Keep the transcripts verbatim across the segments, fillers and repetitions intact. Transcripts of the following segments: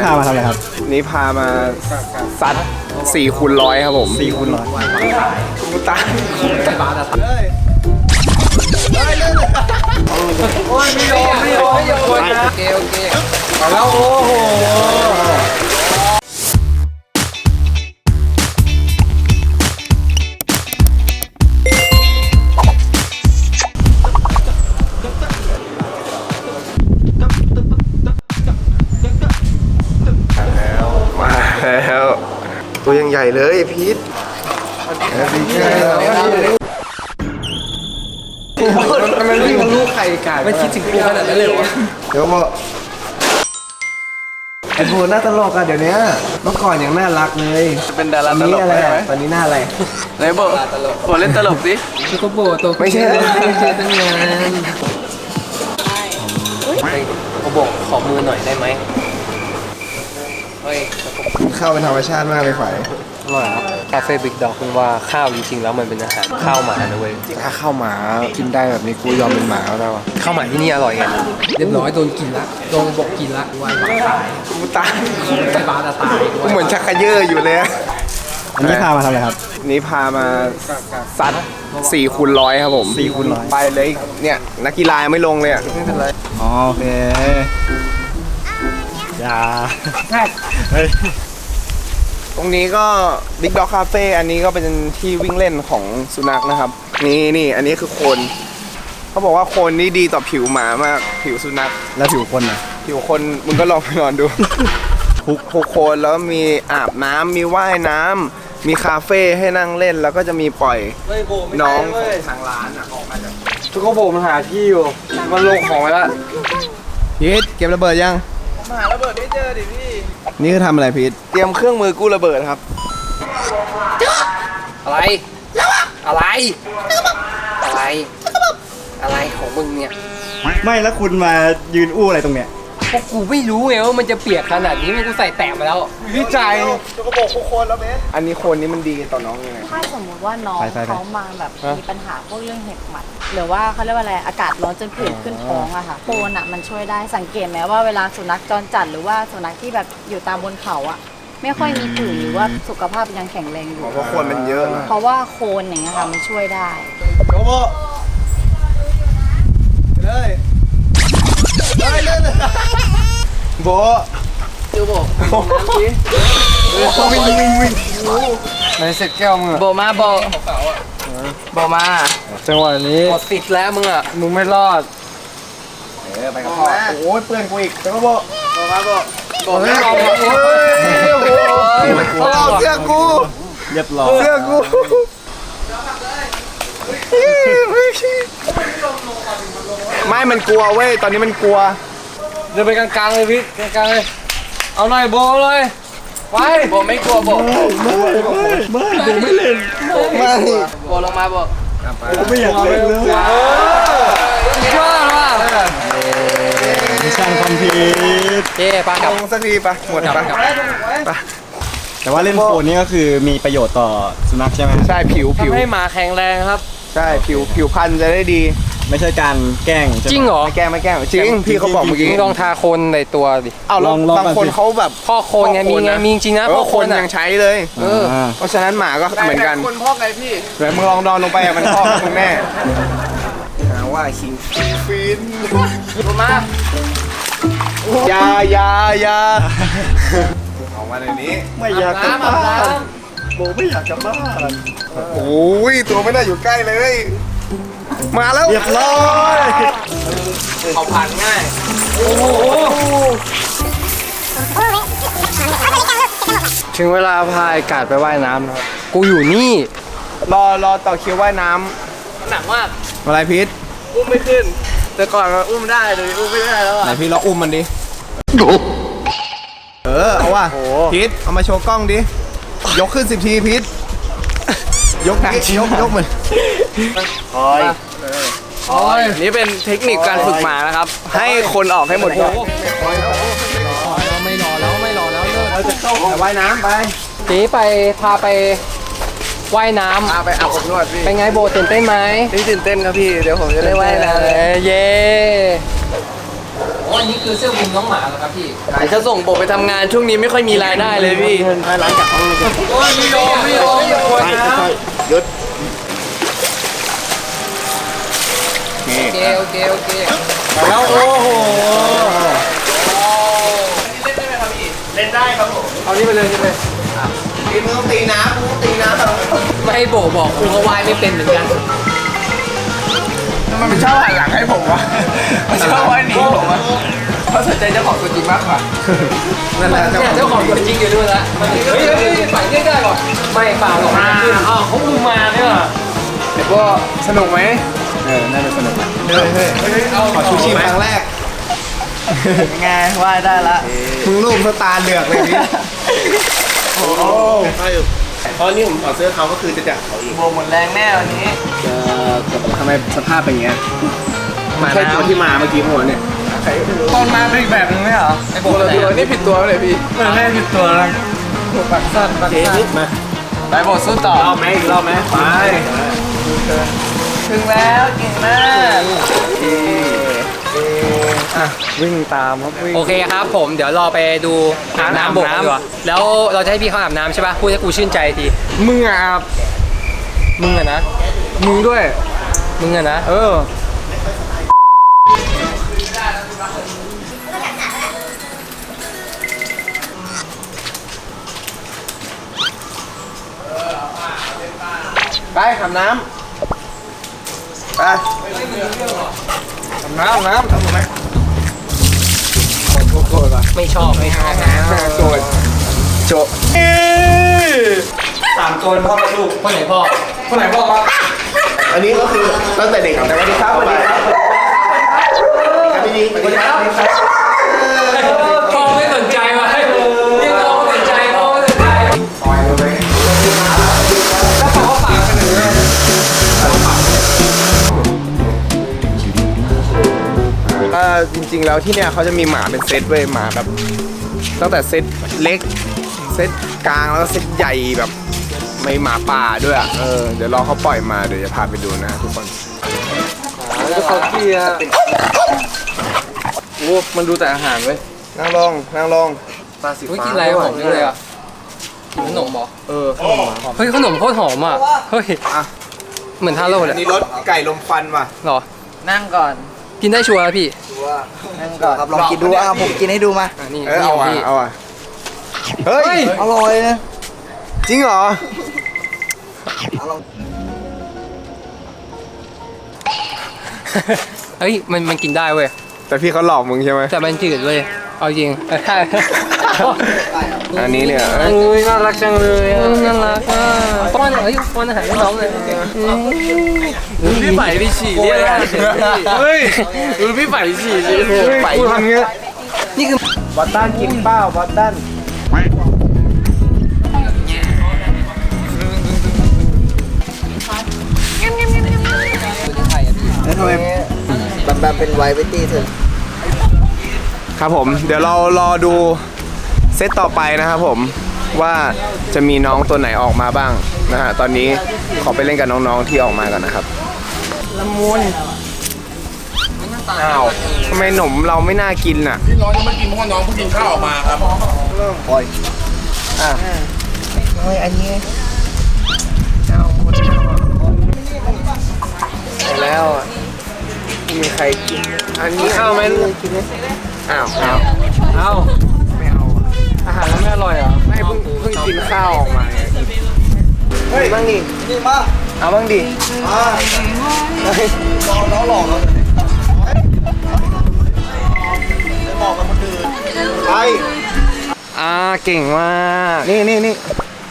ามาทำอะไรครับนี่พามาซัดสี่คูณร้อยครับผมสี่คูณร้อยกูตายโอ้ยไม่โยนไม่โยนไม่โยนโอเคโอเคมาแล้วโอ้โหมาแล้วตัวยังใหญ่เลยพีทมันวิ่งลูกไข่ไก่ไม่คิดถึงกูขนาดนั้นเลยวะเดี๋ยวบอกไอ้โบน่าตลกอะเดี๋ยวนี้เมื่อก่อนยังน่ารักเลยจะเป็นดาราตลกอะไรตอนนี้หน้าอะไรไหนโบโบเล่นตลกสิคือก็โบตัวไม่ใช่ไม่ใช่ตั้งงานโบบอกขอมือหน่อยได้ไหมเฮ้ยข้าวเป็นธรรมชาติมากเลยฝ่ายอร่อยครับคาเฟ่บิ๊กด็อกคุณว่าข้าวจริงๆแล้วมันเป็นอาหารข้าวหมานะเว้ยถ้าข้าวหมากินได้แบบนี้กูยอมเป็นหมาแล้วอ่ะข้าวหมาที่นี่อร่อยไงเรียบร้อยโดนกินละโดนบอกกินละวายบาตายกูตายบาตตายกูเหมือนชักกระเยอะอยู่เลยอันนี้พามาทำอะไรครับนี่พามาซัดสี่คูณร้อยครับผมสี่คูณร้อยไปเลยเนี่ยนักกีฬาไม่ลงเลยอ่ะไม่เป็นไรอ๋อโอเคอย่าเฮ้ยตรงนี้ก็ Big Dog Cafe อันนี้ก็เป็นที่วิ่งเล่นของสุนัขนะครับนี่นี่อันนี้คือโคนเขาบอกว่าโคนนี่ดีต่อผิวหมามากผิวสุนัขแล้วผิวคนนะผิวคนมึงก็ลองไปนอนดูทุกทุกโคนแล้วมีอาบน้ำมีว่ายน้ำมีคาเฟ่ให้นั่งเล่นแล้วก็จะมีปล่อยน้องของทางร้านออกมาจากทุกคนโบมันหาที่อยู่มันลงของไปแล้วพีทเก็บระเบิดยังหาระเบิดไม่เจอดิพี่นี่คือทำอะไรพีทเตรียมเครื่องมือกู้ระเบิดครับอะไรอะไรอะไรอะไรของมึงเนี่ยไม่แล้วคุณมายืนอู้อะไรตรงเนี้ยพวกกูไม่รู้ไงว่ามันจะเปียกขนาดนี้มันกูใส่แตะมาแล้ววิจัยจะกระบอกโคนแล้วเบสอันนี้โคนนี้มันดีต่อน้องยังไงถ้าสมมติว่าน้องเขามาแบบมีปัญหาพวกเรื่องเห็บหมัดหรือว่าเขาเรียกว่าอะไรอากาศร้อนจนผื่นขึ้นท้องอะค่ะโคนอะมันช่วยได้สังเกตไหมว่าเวลาสุนัขจรจัดหรือว่าสุนัขที่แบบอยู่ตามบนเขาอะไม่ค่อยมีผื่นหรือว่าสุขภาพยังแข็งแรงอยู่เพราะโคนมันเยอะเพราะว่าโคนอย่างเงี้ยค่ะมันช่วยได้โอ้โหเลยเลยเลยโบเจ้าโบน้ำดิวิ่งวิ่งวิ่งในเสร็จแก้วมึงโบมาโบโบมาจังหวะนี้หมดสิทธิ์แล้วมึงอ่ะมึงไม่รอดเออไปกับพ่อโอ้ยเปื่อนกูอีกจังโบโบมาโบโบไม่เอาโอ้ยเอาเสื้อกูเรียบร้อยเสื้อกูไม่มันกลัวเว้ยตอนนี้มันกลัวเดินไปกลางๆเลยพี่กลางๆเลยเอาหน่อยโบเลยไปโบไม่กลัวโบไม่ไม่ไม่ไม่เล่นไม่โบลงมาโบไม่อยากเล่นเลยชอบว่ะมิชชั่นคอมพลีทเจ๊ปะกับสักทีปะหมดปะปะแต่ว่าเล่นโคนนี่ก็คือมีประโยชน์ต่อสุนัขใช่ไหมใช่ผิวผิวทำให้หมาแข็งแรงครับใช่ผิวผิวพรรณจะได้ดีไม่ใช่การแกล้งจริงเหรอไม่แกล้งไม่แกล้งจริงพี่เขาบอกเมื่อกี้ลองทาโคนในตัวดิเอาลองบางคนเขาแบบพ่อโคนไงมีไงมีจริงนะพ่อโคนยังใช้เลยเออเพราะฉะนั้นหมาก็เหมือนกันคนพ่อไงพี่เดี๋ยวมึงลองนอนลงไปมันพ่อคุณแม่หาว่าคิงฟินมาอย่าอย่าอย่าออกมาในนี้ไม่อยากกลับบ้านโบไม่อยากกลับบ้านโอ้ยตัวไม่ได้อยู่ใกล้เลยมาแล้วเรียบร้อยเขาผ่านง่ายโอ้โหถึงเวลาพายกาดไปว่ายน้ำครับกูอยู่นี่รอรอต่อคิวว่ายน้ำหนักมากอะไรพีทอุ้มไม่ขึ้นแต่ก่อนมันอุ้มได้เลยอุ้มไม่ได้แล้วอ่ะไหนพี่ลองอุ้มมันดิเออเอาว่ะพีทเอามาโชว์กล้องดิยกขึ้นสิบทีพีทยกยกยกมันโอ้ยโอ้ยนี่เป็นเทคนิคการฝึกหมานะครับให้คนออกให้หมดก่อนไม่รอแล้วไม่รอแล้วเราจะเข้าว่ายน้ำไปจีไปพาไปว่ายน้ำไปอาบอบนวดพี่เป็นไงโบตื่นเต้นไหมพี่ตื่นเต้นครับพี่เดี๋ยวผมจะได้ว่ายน้ำเย้อ้อันนี้คือเสื้อคลุมน้องหมาเหรอครับพี่จะส่งโบไปทำงานช่วงนี้ไม่ค่อยมีรายได้เลยพี่ร้านจากเขาโอ้ยไม่ยอมไม่ยอมไม่ยอมนะหยุดโอเคโอเคโอเคแล้วโอ้โหเล่นได้ครับผมเอานี่ไปเลยนี่ไปตีมือต้องตีน้ำมือต้องตีน้ำไม่ให้โบบอกครูเขาวายไม่เป็นเหมือนกันมันไม่ชอบหันหลังให้ผมวะมันชอบว่าหนีผมวะเขาสนใจเจ้าของตัวจริงมากกว่านั่นแหละเนี่ยเจ้าของตัวจริงอยู่ด้วยละเฮ้ยเฮ้ยฝ่ายเรียกได้ก่อนไม่เปล่าหรอกอ้าวเขาคุมมาเนี่ยเดี๋ยวก็สนุกไหมเออ น่าจะสนุกนะเฮ้ยเฮ้ยขอชูชีพครั้งแรกไงว่ายได้ละมึงรูปสตาร์เหลือกเลยนี่โอ้โหเพราะนี่ผมถอดเสื้อเขาก็คือจะจับเขาอีกโบหมดแรงแน่วันนี้ทำไมสภาพเป็นอย่างเงี้ยใช่ตัวที่มาเมื่อกี้หัวเนี่ยตอนมาเป็นอีกแบบนึงไหมเหรอไอ้โบตัวตัวนี่ผิดตัวเลยพี่เออแม่ผิดตัวแล้วปักสั้นปักสั้นมาไปโบสู้ต่อรอบไหมอีกรอบไหมไปถึงแล้วเก่งมากอ่ะวิ่งตามครับวิ่งโอเคครับผมเดี๋ยวรอไปดูอาบน้ำโบกดีกว่าแล้วเราจะให้พี่เขาอาบน้ำใช่ป่ะพูดให้กูชื่นใจทีมึงอ่ะอาบมึงอะนะมึงด้วยมึงอะนะเออ ไปอาบน้ำไปอาบน้ำอาบน้ำทำไหมโกรธโกรธป่ะไม่ชอบไม่ชอบโกรธโจสามคนพ่อลูกคนไหนพ่อคนไหนพ่อครับอันนี้ก็คือตั้งแต่เด็กสวัสดีครับสวัสดีครับสวัสดีครับสวัสดีครับพ่อไม่สนใจว่ะเรียกน้องไม่สนใจพ่อไม่สนใจปล่อยเลยแล้วเขาฝากกันหนึ่งเลยก็จริงๆแล้วที่เนี่ยเขาจะมีหมาเป็นเซตเว้ยหมาแบบตั้งแต่เซตเล็กเซตกลางแล้วก็เซตใหญ่แบบไม่หมาป่าด้วยอ่ะเออเดี๋ยวรอเขาปล่อยมาเดี๋ยวจะพาไปดูนะทุกคนแล้วเขาเกียร์โอ้มันดูแต่อาหารเว้ยนั่งลงนั่งลงปลาสีฟ้ากินอะไรหอมเลยอ่ะกินขนมเหรอเออเฮ้ยขนมโคตรหอมอ่ะเฮ้ยอ่ะเหมือนทาโร่เลยนี่รสไก่ลมควันว่ะหรอนั่งก่อนกินได้ชัวร์พี่นั่งก่อนครับลองกินดูอ่ะผมกินให้ดูมาอ่ะนี่เออเอาอ่ะพี่เอาอ่ะเฮ้ยอร่อยนะจริงเหรอเฮ้ยมันมันกินได้เว้ยแต่พี่เขาหลอกมึงใช่ไหมแต่มันจืดเว้ยเอาจริงเออใช่อันนี้เนี่ยอุ้ยน่ารักจังเลยอ่ะน่ารักอ่ะป้อนเฮ้ยป้อนอาหารให้น้องเลยพี่ใส่พี่ฉี่เรียกเฮ้ยดูพี่ใส่ฉี่ดิไปทำเงี้ยนี่คือบอสตันกินเป้าบอสตันแล้วทำไมแบบแบบเป็นไวเวตี้เถอะครับผมเดี๋ยวเรารอดูเซตต่อไปนะครับผมว่าจะมีน้องตัวไหนออกมาบ้างนะฮะตอนนี้ขอไปเล่นกับน้องๆที่ออกมากันนะครับละมุนอ้าวทำไมหนมเราไม่น่ากินอ่ะที่น้องยังไม่กินเพราะว่าน้องเพิ่งกินข้าวออกมาครับปล่อยอ่ะเฮ้ยอันนี้แล้วอ่ะไม่มีใครกินอันนี้ข้าวไหมอ้าวอ้าวเอ้าไม่เอาอ่ะอาหารแล้วไม่อร่อยเหรอไม่เพิ่งเพิ่งกินข้าวออกมาไงเฮ้ยบ้างดินี่มาเอาบ้างดิอ่าลองแล้วหลอกแล้วบอกกับคนอื่นไปอ่าเก่งมากนี่นี่นี่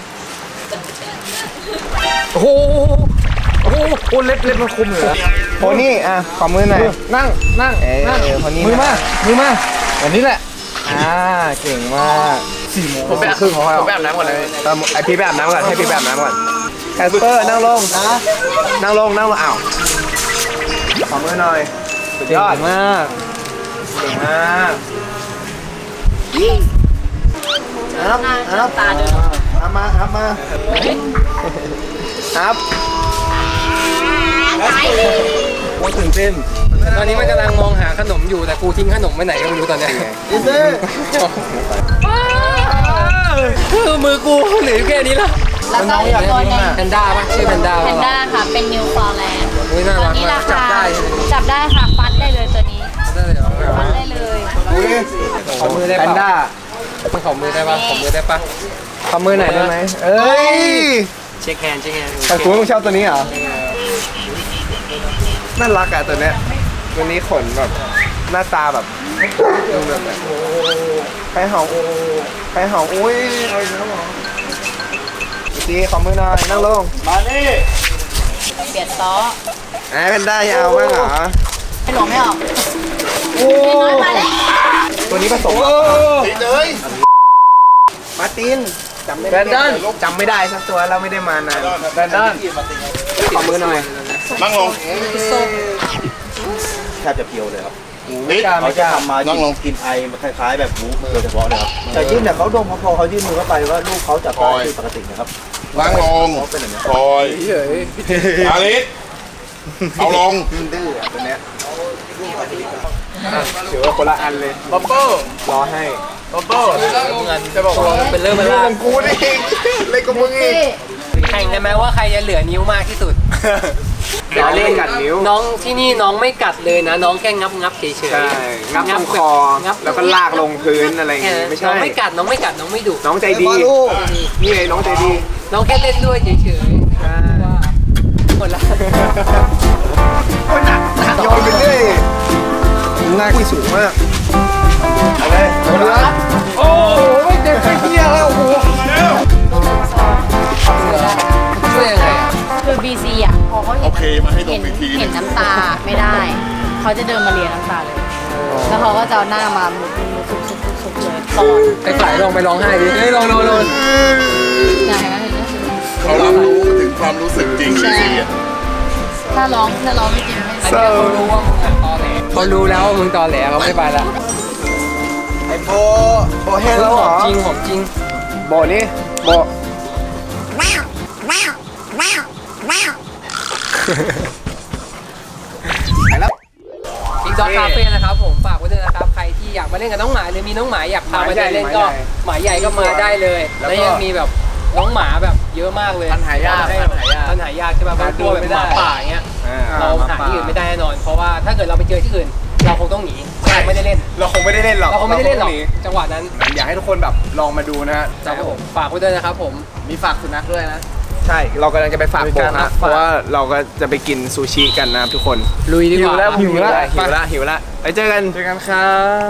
โอ้โหโอ้โหโอ้เล็บเล็บมันคุมเลยโพนี่อ่ะขอมือหน่อยนั่งนั่งเอ้ยนั่งคนนี้มือมานะมือมาแบบนี้แหละอ่าเก่งมากสี่โมงผมไปครึ่งของเราผมไปอาบน้ำก่อนเลยไอพี่ไปอาบน้ำก่อนให้พี่ไปอาบน้ำก่อนแคสเปอร์นั่งลงนะนั่งลงนั่งลงอ้าวขอมือหน่อยสุดยอดมากเก่งมากครับครับตาเดินครับมาครับมาครับไปโคตรตื่นเต้นตอนนี้มันกำลังมองหาขนมอยู่แต่กูทิ้งขนมไว้ไหนก็ไม่รู้ตอนเนี้ยคือมือกูเหลือแค่นี้ละแล้วก็อีกตัวหนึงแพนด้าป่ะชื่อแพนด้าแพนด้าค่ะเป็นนิวฟาวแลนด์อุ้ยน่าตัวรักนี้มารากจับคาได้จับได้ค่ะฟัดได้เลยตัวนี้ได้เลยเหรอฟัดได้เลยขอมือได้แพป่ะนด้ามันขอมือได้ป่ะขอมือได้ป่ะขอมือหน่อยได้ไหมเอ้ยเช็คแฮนด์เช็คแฮนด์แต่คุณต้องชอบตัวนี้เหรอน่ารักอะตัวเนี้ยตัวนี้ขนแบบหน้าตาแบบดูแบบไปเห่าไปเห่าอุ้ยเอาอีกแล้วเหรอดีขอมือหน่อยนั่งลงมานี่เบียดซ้อไอ้แพนด้ายังเอาบ้างเหรอไม่หลงไม่ออกโอ้น้อยมาแล้วตัวนี้ผสมติดเลยมาร์ตินจำไม่ได้จำไม่ได้สักตัวเราไม่ได้มานานแบนดอนขอมือหน่อยนั่งลงแทบจะเพียวเลยครับติดเขาจะทำมานั่งลงกินไอมันคล้ายๆแบบวูฟโดยเฉพาะเลยครับแต่ยื่นเนี่ยเขาดมเขาพอเขายื่นมือเข้าไปว่าลูกเขาจับได้คือปกตินะครับนั่งลงเขาเป็นอย่างนี้คอยอาลิสเอาลงดื้อตัวเนี้ยถือว่าคนละอันเลยบ๊อบเบิ้ลรอให้บ๊อบเบิ้ลจะบอกว่าเป็นเรื่องเป็นเล่ราน วกับกูนี่เล่นกับมึงอีกแข่งกันไหมว่าใครจะเหลือนิ้วมากที่สุดเดี๋ยวเล่นกัดนิ้วน้องที่นี่น้องไม่กัดเลยนะ น้องแค่งับงับเฉยๆใช่งับตรงคองับแล้วก็ลากลงพื้นอะไรอย่างแค่งี้นั้นไม่น้ใช่องไม่กัดน้องไม่กัดน้องไม่ดุน้องใจดี นี่ไงน้องใจดีน้องแค่เล่นด้วยเฉยๆว่าหมดละโอ้ยหนักหนักโยนไปเรื่อยหน้าคุยสูงมากเอาเลยเอาเลยโอ้โหไม่เจ็บไม่เที่ยแล้วโอ้โหช่วยยังไงอ่ะคือ บี ซี อ่ะพอเขาเห็นโอเคมาให้ดเห็มนอีกทีเห็นน้ำตาไม่ได้ เขาจะเดินมาเลียน้ำตาเลย แล้วเขาก็จะเอาหน้ามามุดมุดซุกซุกซุกซุกเลยปอนไอ้ฝ่ายลองไปร้องไห้ดิเฮ้ยลองลองลองไหนไหมเห็นไหมเขารับรู้ถึงความรู้สึกจริงที่เสียถ้าร้องถ้าร้องไม่จริงไม่เขารู้ว่ามึงอ่ะตอแหลเขารู้แล้วว่ามึงตอแหลเขาไม่ไปละไอโบโบเห็นแล้วเหรอจริงของจริงโบนี่โบอีกดอกคาเฟ่นะครับผมฝากไว้ด้วยนะครับ ใครที่อยากมาเล่นกับน้องหมาหรือมีน้องหมาอยากพามาเดินเล่นก็หมาใหญ่ก็มาได้เลย แล้วยังมีแบบน้องหมาแบบเยอะมากเลยพันหายากให้พันหายากพันหายากใช่ป่ะบางตัวแบบหมาป่าอย่างเงี้ยอ่เราหาที่อื่นไม่ได้แน่นอน เพราะว่าถ้าเกิดเราไปเจอที่อื่น เราคงต้องหนีเราไม่ได้เล่นเราคงไม่ได้เล่นหรอกเราคงไม่ได้เล่นหรอกาจังหวะนั้นอยากให้ทุกคนแบบลองมาดูนะฮะครับผมฝากไว้ด้วยนะครับผมมีฝากสุนัขด้วยนะ ใช่ เรากำลังจะไปฝากมีโบการนะฝากเพราะว่าเราก็จะไปกินซูชิกันนะครับทุกคนลุยดีกว่าหิวแล้วหิวแล้วหิวแล้วไปเจอกันเจอกันครับ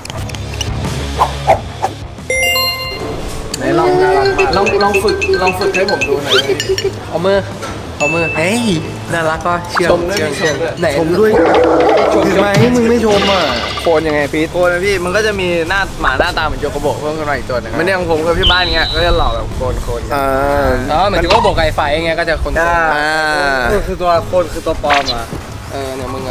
ไหนลองลองลองฝึกลองฝึกให้ผมดูหน่อยเอามือเอามือเฮ้ยน่ารักก็เชื่อมชมด้วยเชื่อมชเชื่อมมด้วยไหนชมด้วยชมไหมมึงไม่ชมอ่ะโคนยังไงพีทโคนนะพี่มันก็จะมีหน้าหมาหน้าตาเหมือนโยโกโบะเพิ่มขึ้นมาอีกตัวหนึงมันเนี่ยของผมกับพี่บ้านเงี้ยก็จะหล่อแบบโคนโคนอ่าอ๋อหมายถึงว่าบอกไก่ไฟไงก็จะคนอ่าอ่าคือตัวโคนคือตัวปลอมอ่ะเออเนี่ยมึง